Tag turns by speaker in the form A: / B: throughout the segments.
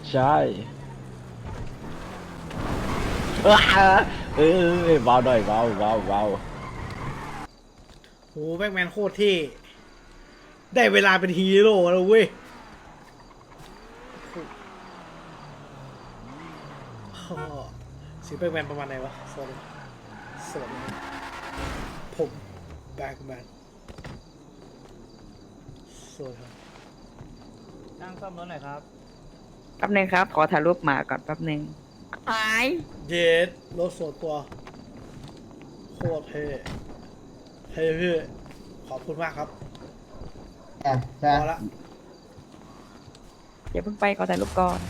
A: ใช่เบาหน่อยเบา
B: โหแบ็กแมนโคตรเท่ได้เวลาเป็นฮีโร่แล้วเว้ยอ้อเสียงแบ็กแมนประมาณไหนวะสวัสดีผมแบ็กแมนสวัสดีครับ
C: นั่งซ่อมรถหน่อยครับ
D: แป๊บนึงครับ ขอถ่ายรูปหมาก่อนแป๊บนึงหาย
B: เยสรถส่วนตัวโคตรเท่เท่พี่ขอบคุณมากครับ
E: ใช่
B: พอละ
D: อย่าเพิ่งไปขอถ่ายรูปก่อน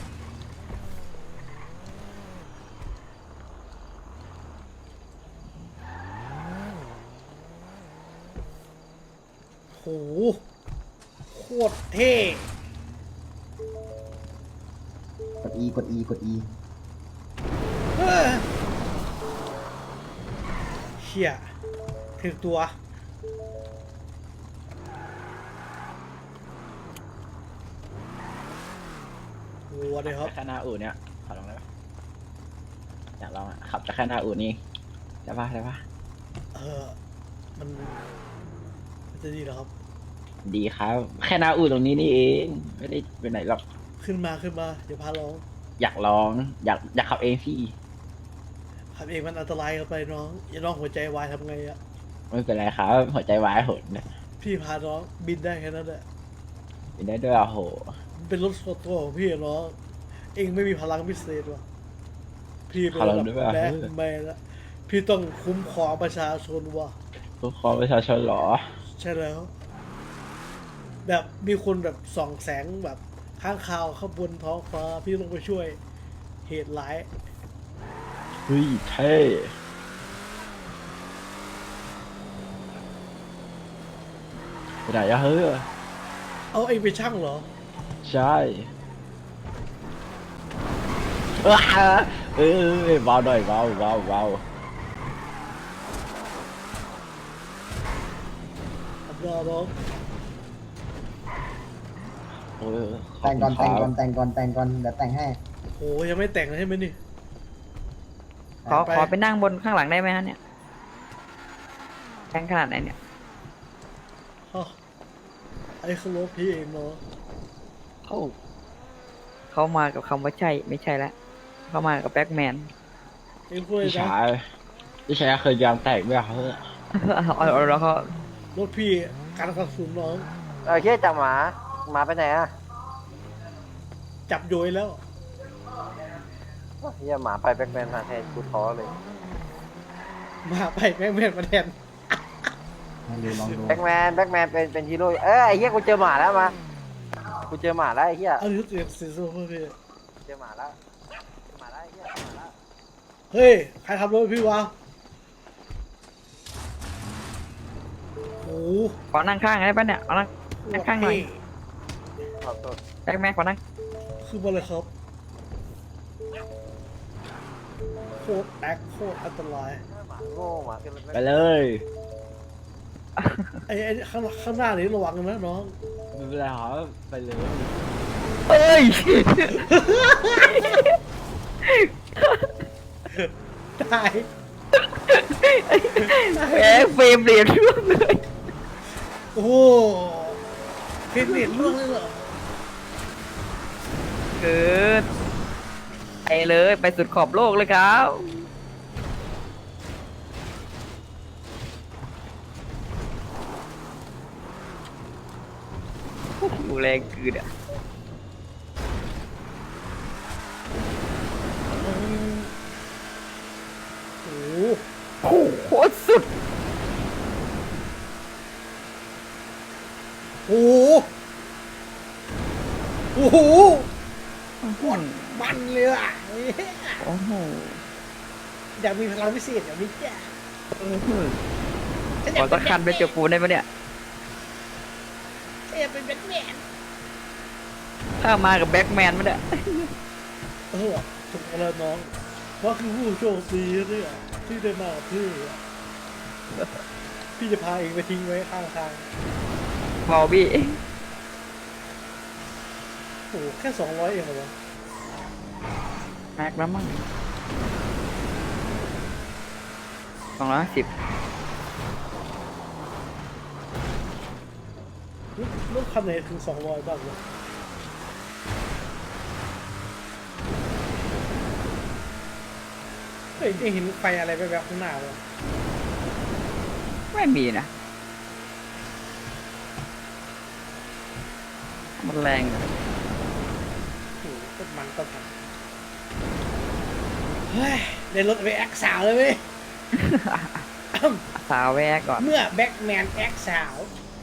B: โหโคตรเท่
E: กด E กด E กด E
B: เฮ้ยเชี่ยถึงตัววัวเลยครับ
A: แค่หน้าอู่เนี่ยขอลองได้ปะอยากลองอ่ะขับแต่แค่หน้าอู่นี่ได้ปะ
B: เออมันจะดีเหรอครับ
A: ดีครับ แค่หน้าอู่ตรงนี้นี่เองไม่ได้ไปไหนหรอก
B: ขึ้นมาเดี๋ยวพาลอง
A: อยากลองอยากขับเองพี่
B: ขับเองมันอันตรายเกันไปน้องอย่าน้องหัวใจวายทำไงอะ
A: ไม่เป็นไรครับหัวใจวายโหดนะ
B: พี่พาน้องบินได้แค่นั้นแหละ
A: เป็นได้ด้วยอ่ะโห
B: มันเป็นรถส่วนตัวของพี่อะน้องเองไม่มีพลังพิเศษวะพี่เป็นระดับแบ็คแมนละพี่ต้องคุ้มครองประชาชนวะ
A: ทุกคนประชาชนเหรอ
B: ใช่แล้ว แบบมีคนแบบส่องแสงแบบข้างคาวข้างบนท้องฟ้าพี่ต้องไปช่วยเหตุร้าย
A: เฮ้ยเท่ไปไหนอะเฮ้ย
B: เอาเองไปช่างเหรอ
A: ใช่เบาหน่อยเบา
B: อับรอน้อง
A: โอ้ย
E: แต่งก่อนเดี๋ยวแต่งให้
B: โหยังไม่แต่งเลยใช่ไหมนี่
D: ขอไปนั่งบนข้างหลังได้ไหมฮะเนี่ยแรงขนาดไหนเนี่ย
B: ฮะไอ้คือรถพี่เองเนาะ
D: เขามากับคำว่าใช่ไม่ใช่แล้วเขามากับแบ็กแมน
B: เองช่วย
A: พี่
B: นะ
A: ชายเคยยางแตกไหมอะเฮ้ย
D: แล้วเขา
B: รถพี่การกระสุนน้อง
C: เฮียจับหมาไปไหนอ่ะ
B: จับโยยแล้ว
C: เฮียหมาไปแบ็คแมนมาแทนกูท้อเลย
B: มาไปแม่งมาแทน
E: ลองดู
C: แบ็คแมนเป็นฮีโร่ไอ้เฮียกูเจอหมาแล้วมากูเจอหมาแล้วไอ้เฮีย
B: เอาเสียงโซ่พี่
C: เจอหมาแล้วไอ้เฮียหมาแล้ว
B: เฮ้ยใครทำรถพี่วะโอ้
D: ขอนั่งข้างได้ปะเนี่ยเอานั่งข้างหน่อย
C: ขอโทษ
D: แบ็กแมนขอนั่ง
B: คือมาเลยครับโคตรแอคโคตรอันตราย
C: หมาโง่หมาขึ้นรถ
A: ไปเลย
B: ไอ้ข้างหน้านี้ระวังนะน้อง
A: ไม่เป็นไรครับไปเลย
D: เอ้ย
B: ตาย
D: แหมเฟรมเรียนร่วงเลย
B: โอ้โหเป็นเน็ตล่วงเลยเหรอ
D: เกิดไปเลยไปสุดขอบโลกเลยครับโอ้โหแรงคือเนี่ย
B: โอ้
D: โอ้โหโคตรสุด
B: โหโอ้โหมันเลยอ่ะ
D: โอ้โห
B: อยากมีพลังพิเศษอย่างนี้แก
D: ขอสักคันไปเจอปูนได้ปะเนี่ย
B: อยากเป็นแบทแมน
D: ถ้ามากับแบ็กแมนมันเนี่ย
B: ถูกแล้วน้องว่าคือผู้โชคดีเนี่ยที่ได้มากับพี่อะพี่จะพาเองไปทิ้งไว้ข้างทาง
D: บอบี้
B: โอ้โหแค่200เองเหรอวะ
D: แม็กแล้วมั้ง250
B: รถคันไหนถึง200บ้างวะเฮ้ยได้เห็นไฟอะไรแบบข้างหน้าวะ
D: ไม่มีนะ มันแรงอะ
B: โอ้โหต้นมันเฮ้ยได้รถไปแอคสาวเลยเว้ย
D: สาวแวกก่อน
B: เมื่อแบ็กแมนแอคสาว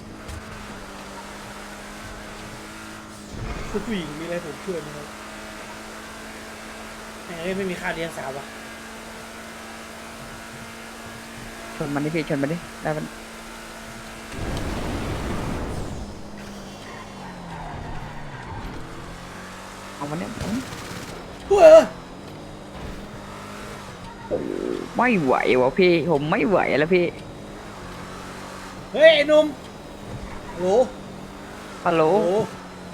B: คุณผู้หญิงมีอะไรผมช่วยไหมครับไม่มีค่าเลี้ยงสาววะ
D: ชนมันดิพี่ชนมันดิได้มันเอามันเนี่ย
B: เฮ้ย
D: ไม่ไหววะพี่ ผมไม่ไหวแล้วพี่
B: เฮ้ยไอ้หนุ่มโหล
D: ฮัลโหล
B: โหล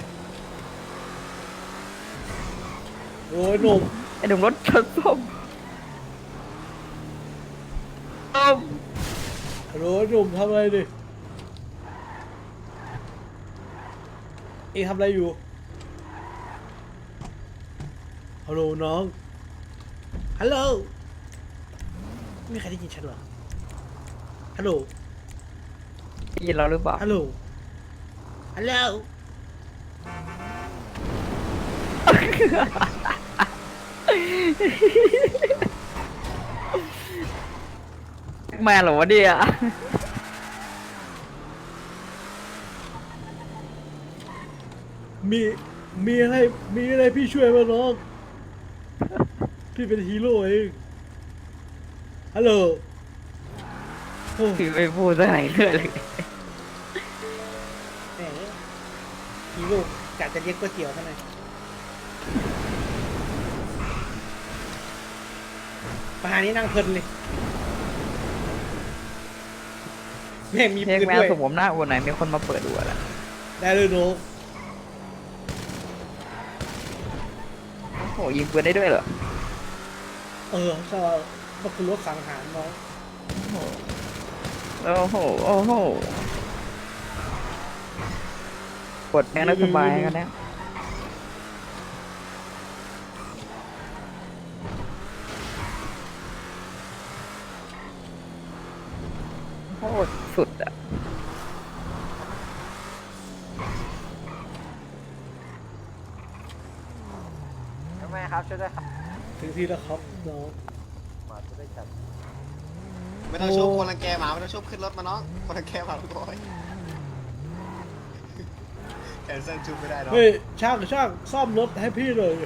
B: โหลไอ้หนุ่ม
D: ไอ้หนุ่มรถชนส้มส้ม
B: โหลไอ้หนุ่มทำอะไรดิเอ็งทำอะไรอยู่ฮัลโหลน้องฮัลโหลไม่มีใครได้ยินฉันเหรอฮัลโหล
D: ได้ยินเราหรือเปล่า
B: ฮัลโหล ฮัลโหล
D: แม่เหรอวะเนี่ย
B: มีมีอะไรพี่ช่วยมาน้อง พี่เป็นฮีโร่เอง ฮัลโหลโอ้
D: พี่ไม่พูดสักไหนเลย
B: แหมฮีโร่กะจะเลี้ยงก๋วยเตี๋ยวเท่านั้นประหารนี้นั่งเพลินเลยแม่งมี
D: เรี
B: ปื
D: ยก
B: น
D: แม
B: ด้
D: ว
B: วย
D: สมผมหน้าอ้วนไหนมีคนมาเปิดดูแล้ว
B: ได้เลยน้อง
D: โอ้โหยิงปืนได้ด้วยเหรอ
B: ใช่ก็คือรถสังหารน้อง
D: โอ้โห โอ้โหกดแม่งแล้วสบายกันแล้วโคตรสุดอ่ะ
C: แม่ครับช่วยด้วยครับ
B: ถึงที่แล้วครับน้อง
C: หมาจะได้จับ
F: ไม่ต้องชุบคนรังแกหมาไม่ต้องชุบขึ้นรถมาน้องคนรังแกหมาทุกคนแคนเซิลชุบไม่ได้เนาะ
B: เฮ้ยช่างซ่อมรถให้พี่หน่อย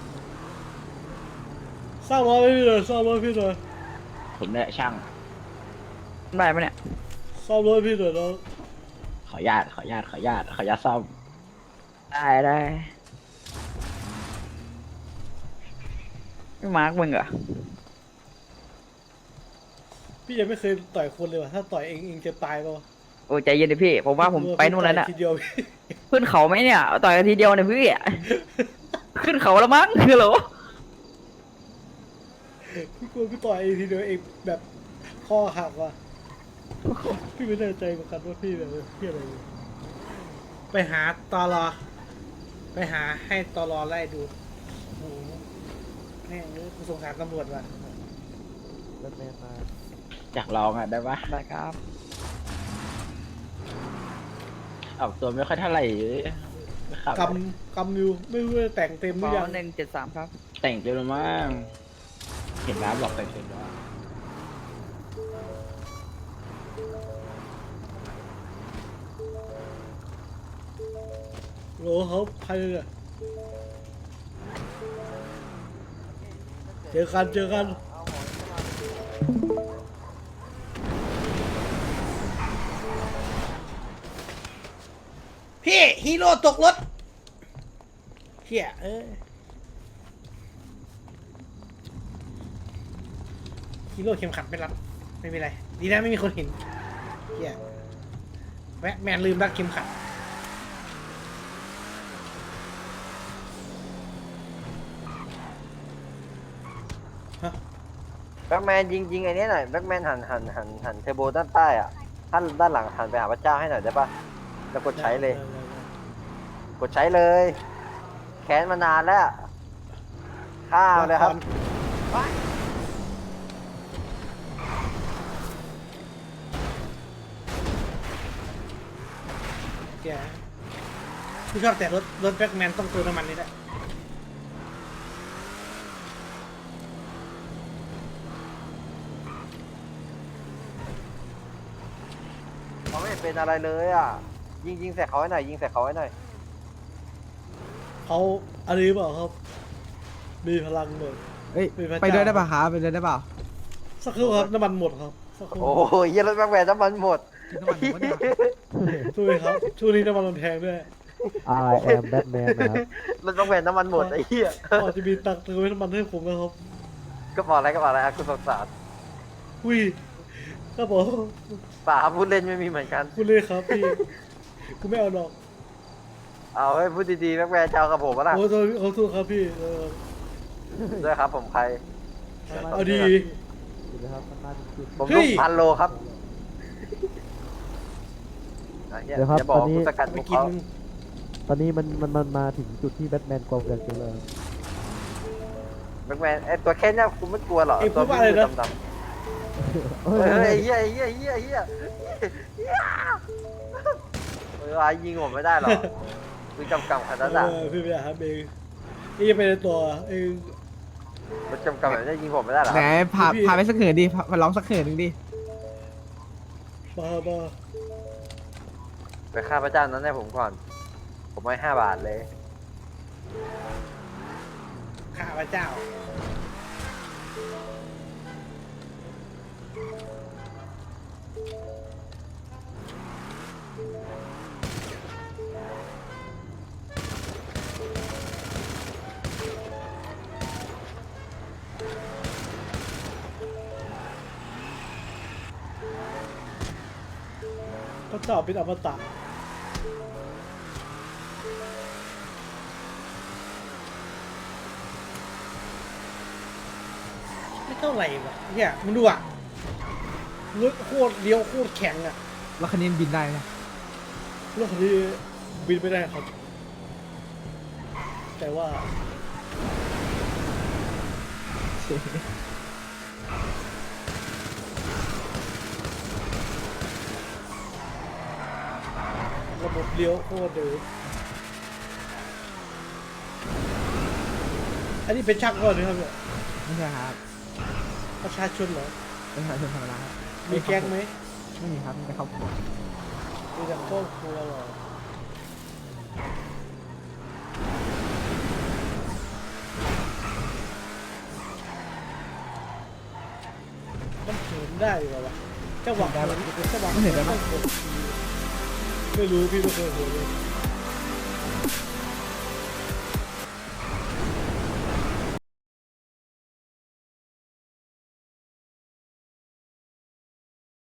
B: ซ่อมรถให้พี่หน่อยซ่อมรถให้พี่หน่อย
A: ผมเนี่ยช่าง
D: ได้ปะเนี่ย
B: ซ่อมรถให้พี่หน่อยน้อง
A: ขออนุญาตซ่อม
D: ได้ได้ไม่มาร์กมึงเหรอ
B: พี่ยังไม่เคยต่อยคนเลยว่ะถ้าต่อยเองจะตายป่าวะ
D: โอ้ใจเย็นดิพี่ ผมว่าผมไปนู่นแล้วน่ะ
B: ทีเดียว
D: ขึ้นเขาไหมเนี่ย ต่อยกันทีเดียวเนี่ยพี่ ขึ้นเขาแล้วมั้งคือเหรอ
B: พี่กลัวพี่ต่อยเองทีเดียวเองแบบข้อหักว่ะพี่ไม่แน่ใจเหมือนกันว่าพี่แบบพี่อะไรอยู่ไปหาตอรอไปหาให้ตอรอไล่ดูโอ้โหแม่งเลยกูสงสารตำรวจว่ะ
C: รถเมล์มา
A: อยากลองอ่ะได้ปะ
D: ได้ครับ
A: ออกตัวไม่ค่อยเท่าไหร่ไม่ขับ
B: กำอยู่ไม่รู้จะแต่งเต็มห
D: ข
B: รือ
D: อ
B: ยัง
D: 173ครับ
A: แต่งเต็มแล้วมั้งเห็นน้ำบอกแต่งเต็มแล้ว
B: โหลเขาใครเนี่ยเจอกัน พี่ฮีโร่ตกรถเฮียฮีโร่เข็มขัดไม่รัดไม่มีไรดีนะไม่มีคนเห็นเฮียแมนลืมรัดเข็มขัดฮะ
C: แบ็กแมนยิงไอ้นี้หน่อยแบ็กแมนหันเทอร์โบด้านใต้อ่ะท่านด้านหลังหันไปหาพระเจ้าให้หน่อยได้ปะแล้วกดใช้เลย กดใช้เลย แค้นมานานแล้วข้าวเลยครับ
B: แกพี่ชอบแต่รถแบ็คแมนต้องเติมน้ำมันนี่แหละ
C: เขาไม่เป็นอะไรเลยอ่ะ ยิงใส่เขาให้หน่อยยิงใส่เขาให้หน่อย
B: เขาอะไรเปล่าครับ มีพลังเลย
G: เอ้ย
B: เป็นพระเจ้า
G: ไปด้วยได้ป่ะครับไปด้วยได้ป่ะ
B: สักครู่ครับน้ำมันหมดครับสักครู่
C: โอ้ยเหี้ยรถแบ็กแมนน้ำมันหมด
G: กินน้ำมันผมก็เนี่ย
B: ช่วยครับช่วงนี้น้ำมันมันแพงด้วย
E: I am Batman นะครับ
C: รถแบ็กแมนน้ำมันหมดไอ้เหี้ย
B: พอจะมีตังค์เติมน้ำมันให้ผมนะครับ
C: ก็บอกอะไรอ่ะคุณสงสาร
B: อุ้ยครับผม
C: ป่าพูดเล่นไม่มีเหมือนกัน
B: คุณเลยครับพี่กูไม่เอาหรอก
C: เอาให้พูดดีๆแบ็กแมนจะเอากับผมปะล่ะ
B: โอ้โหเขาสู้ครับพี่
C: ด้วยครับผมใคร
B: เอาดี
C: ผม
B: เฮ้
C: ลู
B: ย
C: ก1,000 โลครับอ่ะเหี้ย
E: เดี๋ยวครับ
C: อย่าบอก
E: ตอนนี้
C: คุณสกัด
B: ไม่
C: พวก
B: กิน
C: เขา
E: ตอนนี้มันมาถึงจุดที่แบทแมนกองกันแล้ว
C: แบ็กแมนไอ้ตัวแค่เนี้ยคุณไม่กลัวหรอ
B: เอ้ย
C: ตัว
B: พูดว่าอะไรนะ
C: ดำๆ เฮ้ยไอ้เหี้ยเวลายิงผมไม่ได้หรอกคือกำขนาดนั้น
B: พี่ไปหาเองนี่จะเป็นตัวเอง
C: มันกำแบบนี้ยิงผมไม่ได้หรอ
G: ไหนพาไปสักเหินดิพาร้องสักเหินหนึ่งดิ
B: บ้า
C: ไปฆ่าพระเจ้านั้นให้ผมก่อน ผมให้5 บาทเลย
B: ข้าพเจ้า พระเจ้าเป็นอมตะไม่เท่าไหร่วะเนี่ยมึงดูอ่ะรถโคตรเลี้ยวโคตรแข็งอ่ะ
G: แล้วคันนี้มันบินได้นะ
B: รถคันนี้บินไม่ได้ครับ แต่ว่าระบบเลี้ยวโคตรเดือดอันนี้เป็นช่างก่อนนะครับเนี่ย
G: ไม่ใช่ครับ
B: ประชาชนเหรอ
G: เป็นประชาชนธรรมดาครับ
B: มีแก๊งไหม
G: ไม่มีครับมีแต่ครอบครัว
B: มีแต่ครอบครัวเหรอมันเหินได้เหรอวะจังหวะเหินจังหวะเหินต้องกด ไม่รู้พี่ไม่เคยเห็นเลย